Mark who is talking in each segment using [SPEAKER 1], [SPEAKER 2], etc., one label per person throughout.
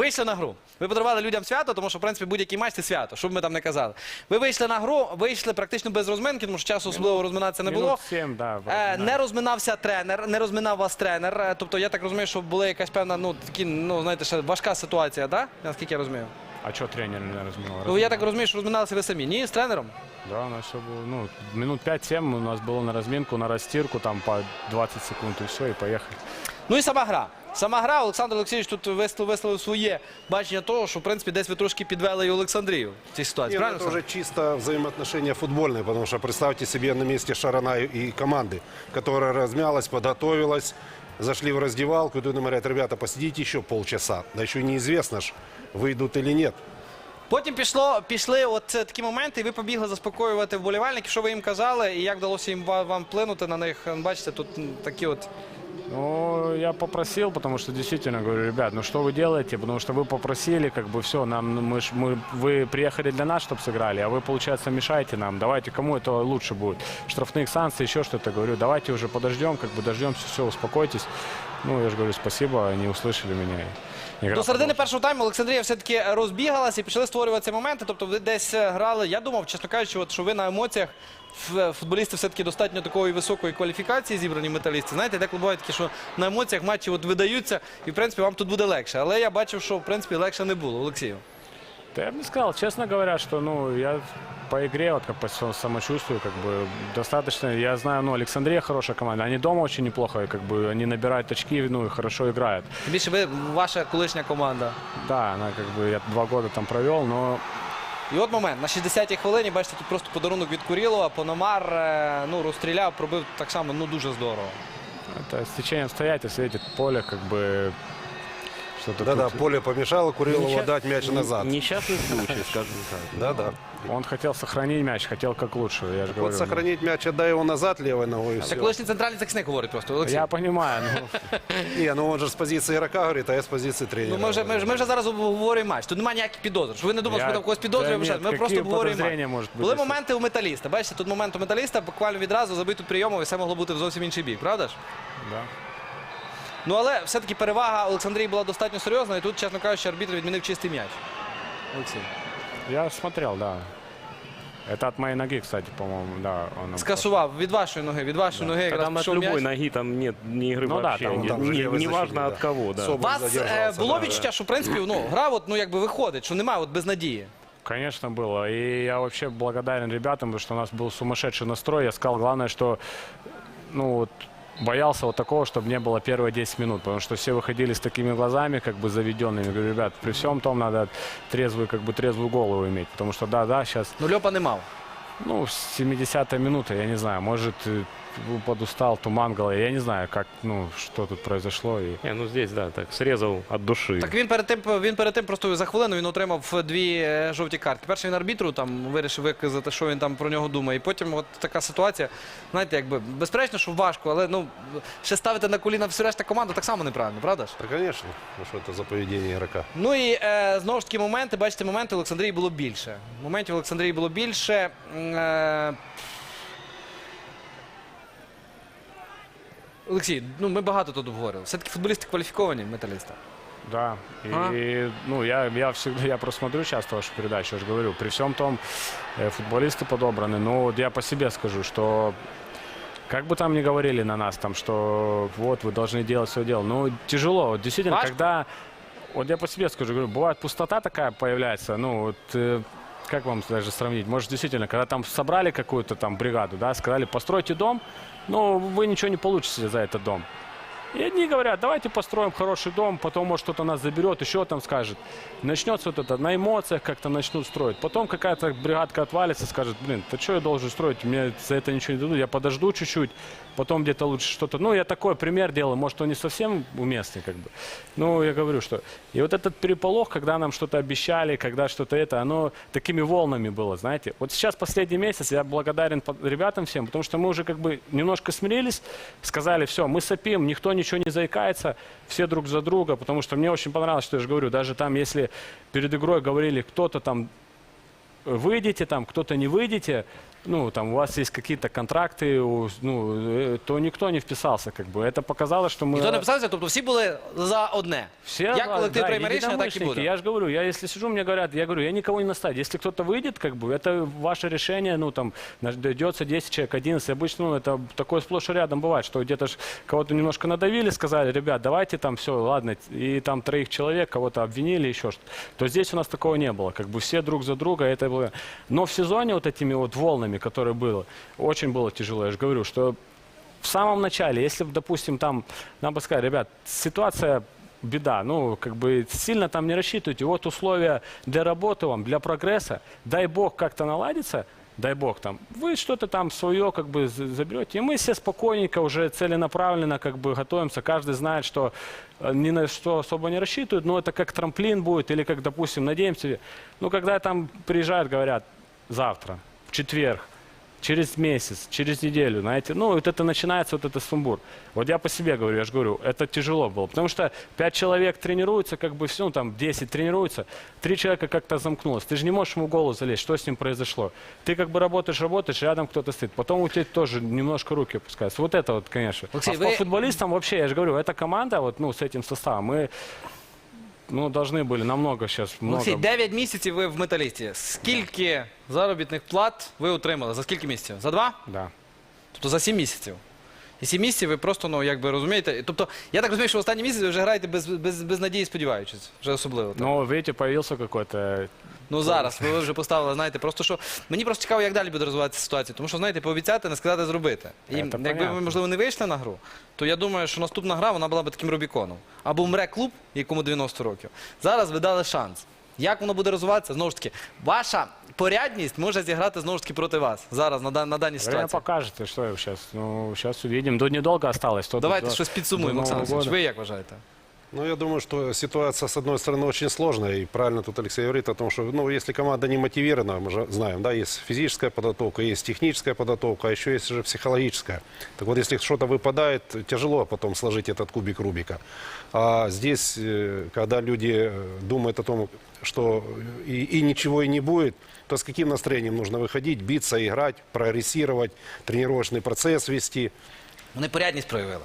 [SPEAKER 1] вийшли на гру. Ви подарували людям свято, тому що, в принципі, будь-який матч – це свято, що б ми там не казали. Ви вийшли на гру, вийшли практично без розминки, тому що часу особливо розминатися не було.
[SPEAKER 2] Минут 7, да.
[SPEAKER 1] Не розминався тренер, не розминав вас тренер. Тобто, я так розумію, що була якась певна, знаєте, ще важка ситуація, так? Наскільки я розумію?
[SPEAKER 2] А что тренер не разминал?
[SPEAKER 1] Ну, я так розумію, що розминалися ви самі. Ні, з тренером?
[SPEAKER 2] Да, у нас все было, ну, минут 5-7 у нас было на разминку, на растирку, там по 20 секунд и все, и поехали.
[SPEAKER 1] Ну і сама гра. Сама гра, Олександр Олексійович тут висловив своє бачення того, що, в принципі, десь ви трошки підвели і Олександрію в цій ситуації.
[SPEAKER 3] Нет,
[SPEAKER 1] Правильно?
[SPEAKER 3] это уже чисто взаимоотношения футбольные, потому что представьте себе на месте Шарана и команды, которая размялась, подготовилась, зашли в раздевалку, и тут им говорят: ребята, посидите еще полчаса. Да еще неизвестно ж, выйдут или нет.
[SPEAKER 1] Потім пішли от такі моменти, і ви побігли заспокоювати вболівальників. Що ви їм казали, і як вдалося їм вам вплинути на них? Бачите, тут такі от...
[SPEAKER 2] Ну, я попросил, потому что действительно говорю: ребят, ну что вы делаете? Потому что вы попросили, как бы все, вы приехали для нас, чтобы сыграли, а вы, получается, мешаете нам. Давайте, кому это лучше будет? Штрафных санкций, еще что-то. Говорю, давайте уже подождем, как бы дождемся, все, успокойтесь. Ну, я же говорю, спасибо, они услышали меня.
[SPEAKER 1] До середини першого тайму Олександрія все-таки розбігалася і почали створюватися моменти. Тобто ви десь грали, я думав, чесно кажучи, що ви на емоціях, футболісти все-таки достатньо такої високої кваліфікації зібрані металісти. Знаєте, деколи буває таке, що на емоціях матчі видаються і, в принципі, вам тут буде легше. Але я бачив, що, в принципі, легше не було. Олексію.
[SPEAKER 2] Да я бы не сказал, честно говоря, что, ну, я по игре, вот как по самочувствию, как бы, достаточно, я знаю, ну, Александрия хорошая команда, они дома очень неплохо, как бы, они набирают очки, ну, и хорошо играют.
[SPEAKER 1] Тим більше ви, ваша колишня команда.
[SPEAKER 2] Да, она, как бы, я 2 года там провел, но...
[SPEAKER 1] І от момент, на 60-й хвилині, бачите, тут просто подарунок від Курілова, Пономар, розстріляв, пробив так само, дуже здорово.
[SPEAKER 2] Это стечение обстоятельств, видите, поле, как бы...
[SPEAKER 3] Да-да, поле помешало Курилову дать мяч назад.
[SPEAKER 4] Несчастный случай, скажем так.
[SPEAKER 3] Да-да.
[SPEAKER 2] Он хотел сохранить мяч, хотел как лучше, я же говорю.
[SPEAKER 3] Вот сохранить мяч, отдай его назад левой ногой, и
[SPEAKER 1] Це
[SPEAKER 3] все.
[SPEAKER 1] колишній центральний захисник говорить просто, Олексій.
[SPEAKER 2] Я понимаю, ну...
[SPEAKER 3] Не, ну он же с позиции игрока говорит, а я с позиции тренера.
[SPEAKER 1] Ми вже зараз обговорюємо матч. Тут немає ніяких підозр. Щоб ви не думали, що ми там когось підозрюємо.
[SPEAKER 2] Та ні,
[SPEAKER 1] Ми просто
[SPEAKER 2] які
[SPEAKER 1] обговорюємо
[SPEAKER 2] підозріння
[SPEAKER 1] матч.
[SPEAKER 2] можуть бути?
[SPEAKER 1] Були моменти у Металіста. Бачите, тут момент у Металіста, буквально відразу забив тут прийомов, і все могло бути в зовсім інший бік, правда ж?
[SPEAKER 2] Да.
[SPEAKER 1] Ну, але все-таки перевага Олександрії була достатньо серйозна, і тут, чесно кажучи, арбітр відмінив чистий м'яч. Олексій.
[SPEAKER 2] Я смотрел, да. Это от моей ноги, кстати, по-моему, да. Он
[SPEAKER 1] Скасував від вашої ноги, якраз
[SPEAKER 4] Там от
[SPEAKER 1] пішов
[SPEAKER 4] любой
[SPEAKER 1] м'яч.
[SPEAKER 4] ноги там нет ни игры
[SPEAKER 2] Ну да,
[SPEAKER 4] вообще.
[SPEAKER 3] там же левый
[SPEAKER 4] Не важно
[SPEAKER 3] защитник,
[SPEAKER 4] от
[SPEAKER 3] да.
[SPEAKER 4] кого, да.
[SPEAKER 1] У
[SPEAKER 3] Соболь
[SPEAKER 1] вас
[SPEAKER 3] задержался,
[SPEAKER 1] було
[SPEAKER 3] да.
[SPEAKER 1] відчуття, що, в принципі, гра якби виходить, що немає без надії.
[SPEAKER 2] Конечно, было. И я вообще благодарен ребятам, потому что у нас был сумасшедший настрой. Я сказал, главное, что, ну, вот, боялся вот такого, чтобы не было первые 10 минут, потому что все выходили с такими глазами, как бы заведенными. Говорю, ребят, при всем том надо трезвую голову иметь, потому что, да, сейчас,
[SPEAKER 1] Ну, Льопа не мав.
[SPEAKER 2] ну, 70-я минута, я не знаю, может, подустал, туман в голове, я не знаю, как, ну, что тут произошло. И...
[SPEAKER 4] Не, ну здесь, да, так, срезал от души.
[SPEAKER 1] Так він перед тим просто за хвилину він отримав 2 жовті картки. Перший він арбітру там вирішив виказати, що він там про нього думає. І потім от така ситуація, знаєте, якби безперечно, що важко, але ну ще ставити на коліна всю решта команду так само неправильно, правда ж?
[SPEAKER 3] Да, конечно. Ну что это за поведение игрока?
[SPEAKER 1] Ну і знову ж таки моменти, бачите, моментів Олександрії було більше. Моментів Олександрії було більше. Олексій, ну ми багато тут обговорили. Все-таки футболісти кваліфіковані, Металіста.
[SPEAKER 2] Да, и ну, я просто смотрю часто вашу передачу, я же говорю, при всем том, футболисты подобраны, но вот я по себе скажу, что как бы там ни говорили на нас, там, что вот вы должны делать свое дело, ну, тяжело, вот действительно,
[SPEAKER 1] Важко?
[SPEAKER 2] когда, вот я по себе скажу, говорю, бывает пустота такая появляется, ну, вот, как вам даже сравнить, может, действительно, когда там собрали какую-то там бригаду, да, сказали, постройте дом, но вы ничего не получите за этот дом. И одни говорят, давайте построим хороший дом, потом, может, кто-то нас заберет, еще там скажет. Начнется вот это, на эмоциях как-то начнут строить. Потом какая-то бригадка отвалится, скажет, блин, ты что я должен строить, мне за это ничего не дадут, я подожду чуть-чуть, потом где-то лучше что-то. Ну, я такой пример делаю, может, он не совсем уместный, как бы. Ну, я говорю, что... И вот этот переполох, когда нам что-то обещали, когда что-то это, оно такими волнами было, знаете. Вот сейчас последний месяц я благодарен ребятам всем, потому что мы уже как бы немножко смирились, сказали, все, мы сопим, никто ничего не заикается, все друг за друга, потому что мне очень понравилось, что я же говорю, даже там, если перед игрой говорили, кто-то там выйдете, там, кто-то не выйдете, ну, там, у вас есть какие-то контракты, то никто не вписался, как бы. Это показало, что мы...
[SPEAKER 1] Ніхто не писався, тобто всі були за одне.
[SPEAKER 2] Все,
[SPEAKER 1] Як колектив
[SPEAKER 2] да,
[SPEAKER 1] прийме рішення, так і
[SPEAKER 2] единомышленники.
[SPEAKER 1] буде.
[SPEAKER 2] Я же говорю, я если сижу, мне говорят, я говорю, я никого не настаиваю. Если кто-то выйдет, как бы, это ваше решение, ну, там, дойдется 10 человек, 11. Обычно, ну, это такое сплошь и рядом бывает, что где-то ж кого-то немножко надавили, сказали, ребят, давайте там все, ладно, и там 3 человек кого-то обвинили, еще что-то. То здесь у нас такого не было, как бы все друг за друга, это было. Но в сезоне вот этими вот волнами, которые было, очень было тяжело. Я же говорю, что в самом начале, если, допустим, там, нам бы сказали, ребят, ситуация беда, ну, как бы сильно там не рассчитывайте. Вот условия для работы вам, для прогресса. Дай бог как-то наладится, дай бог там, вы что-то там свое как бы заберете. И мы все спокойненько, уже целенаправленно как бы готовимся. Каждый знает, что ни на что особо не рассчитывают, но это как трамплин будет или как, допустим, надеемся. Ну, когда там приезжают, говорят, завтра, в четверг, через месяц, через неделю, знаете, ну, вот это начинается, вот это сумбур. Вот я по себе говорю, я же говорю, это тяжело было, потому что 5 человек тренируются, как бы все, ну, там, 10 тренируются, 3 человека как-то замкнулось. Ты же не можешь ему в голову залезть, что с ним произошло. Ты как бы работаешь, рядом кто-то стоит, потом у тебя тоже немножко руки опускаются. Вот это вот, конечно.
[SPEAKER 1] Алексей,
[SPEAKER 2] А по футболистам вообще, я же говорю, эта команда, вот, ну, с этим составом, мы, ну, должны были намного сейчас, много...
[SPEAKER 1] Олексій, 9 місяців ви в металісті. Скільки заробітних плат ви отримали? За скільки місяців? За 2?
[SPEAKER 2] Да.
[SPEAKER 1] Тобто за 7 місяців. І 7 місяців ви просто, ну, якби розумієте. Тобто, я так розумію, що в останні місяці ви вже граєте без надії, сподіваючись. Вже особливо. Так?
[SPEAKER 2] Но, видите, появился какой-то...
[SPEAKER 1] Ну зараз ви вже поставили, знаєте, просто що мені просто цікаво, як далі буде розвиватися ситуація. Тому що, знаєте, пообіцяти, не сказати, зробити. І
[SPEAKER 2] Це
[SPEAKER 1] якби ви,
[SPEAKER 2] понятно.
[SPEAKER 1] можливо, не вийшли на гру, то я думаю, що наступна гра вона була б таким Рубіконом. Або вмре клуб, якому 90 років. Зараз ви дали шанс. Як воно буде розвиватися? Знову ж таки, ваша порядність може зіграти знову ж таки проти вас зараз на даній
[SPEAKER 2] Время
[SPEAKER 1] ситуації.
[SPEAKER 2] покажет, и что сейчас. Ну, сейчас увидим. До недолго осталось.
[SPEAKER 1] Давайте щось підсумуємо,
[SPEAKER 2] до
[SPEAKER 1] Олександр
[SPEAKER 2] Нового
[SPEAKER 1] Олексійович.
[SPEAKER 2] года.
[SPEAKER 1] Ви як вважаєте?
[SPEAKER 3] Ну, я думаю, что ситуация, с одной стороны, очень сложная. И правильно тут Алексей говорит о том, что, ну, если команда не мотивирована, мы же знаем, да, есть физическая подготовка, есть техническая подготовка, а еще есть же психологическая. Так вот, если что-то выпадает, тяжело потом сложить этот кубик Рубика. А здесь, когда люди думают о том, что и ничего и не будет, то с каким настроением нужно выходить, биться, играть, прогрессировать, тренировочный процесс вести.
[SPEAKER 1] Вони порядність проявили.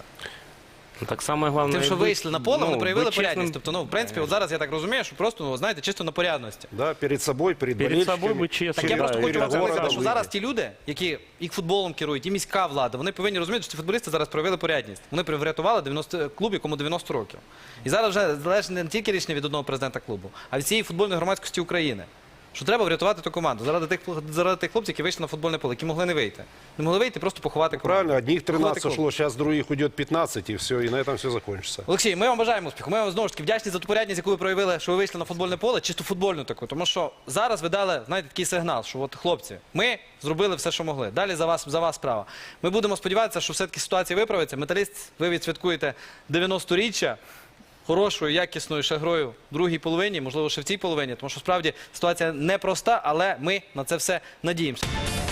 [SPEAKER 4] Ну, так самое главное...
[SPEAKER 1] Тим, що
[SPEAKER 4] быть,
[SPEAKER 1] вийшли на поле,
[SPEAKER 4] ну,
[SPEAKER 1] вони проявили
[SPEAKER 4] быть честным
[SPEAKER 1] порядність. Тобто, ну, в принципі, от зараз я так розумію, що просто, ну, знаєте, чисто на порядності.
[SPEAKER 3] Да, перед собой, перед
[SPEAKER 4] Перед собой
[SPEAKER 3] болельщиками.
[SPEAKER 4] быть честным.
[SPEAKER 1] Так я
[SPEAKER 4] да,
[SPEAKER 1] просто
[SPEAKER 4] и
[SPEAKER 1] хочу вам
[SPEAKER 3] перед
[SPEAKER 1] сказати,
[SPEAKER 3] городом
[SPEAKER 1] що
[SPEAKER 3] вийти.
[SPEAKER 1] зараз ті люди, які і футболом керують, і міська влада, вони повинні розуміти, що ці футболісти зараз проявили порядність. Вони врятували 90 клуб, якому 90 років. І зараз вже залежить не тільки рішення від одного президента клубу, а від всієї футбольної громадськості України. Що треба врятувати ту команду заради тих хлопців, які вийшли на футбольне поле, які могли не вийти. Не могли вийти, просто поховати команду.
[SPEAKER 3] Правильно, одних
[SPEAKER 1] Поховати
[SPEAKER 3] 13
[SPEAKER 1] клуб.
[SPEAKER 3] ушло, сейчас других уйдет 15, и все, и на этом все закончится.
[SPEAKER 1] Олексій, ми вам бажаємо успіху. Ми вам знову ж таки вдячні за ту порядність, яку ви проявили, що ви вийшли на футбольне поле, чисто футбольну таку. Тому що зараз ви дали, знаєте, такий сигнал, що от хлопці, ми зробили все, що могли. Далі за вас справа. Ми будемо сподіватися, що все-таки ситуація виправиться. Металіст, ви відсвяткуєте 90-річчя. Хорошою, якісною ще грою в другій половині, можливо, ще в цій половині, тому що справді ситуація непроста, але ми на це все надіємося.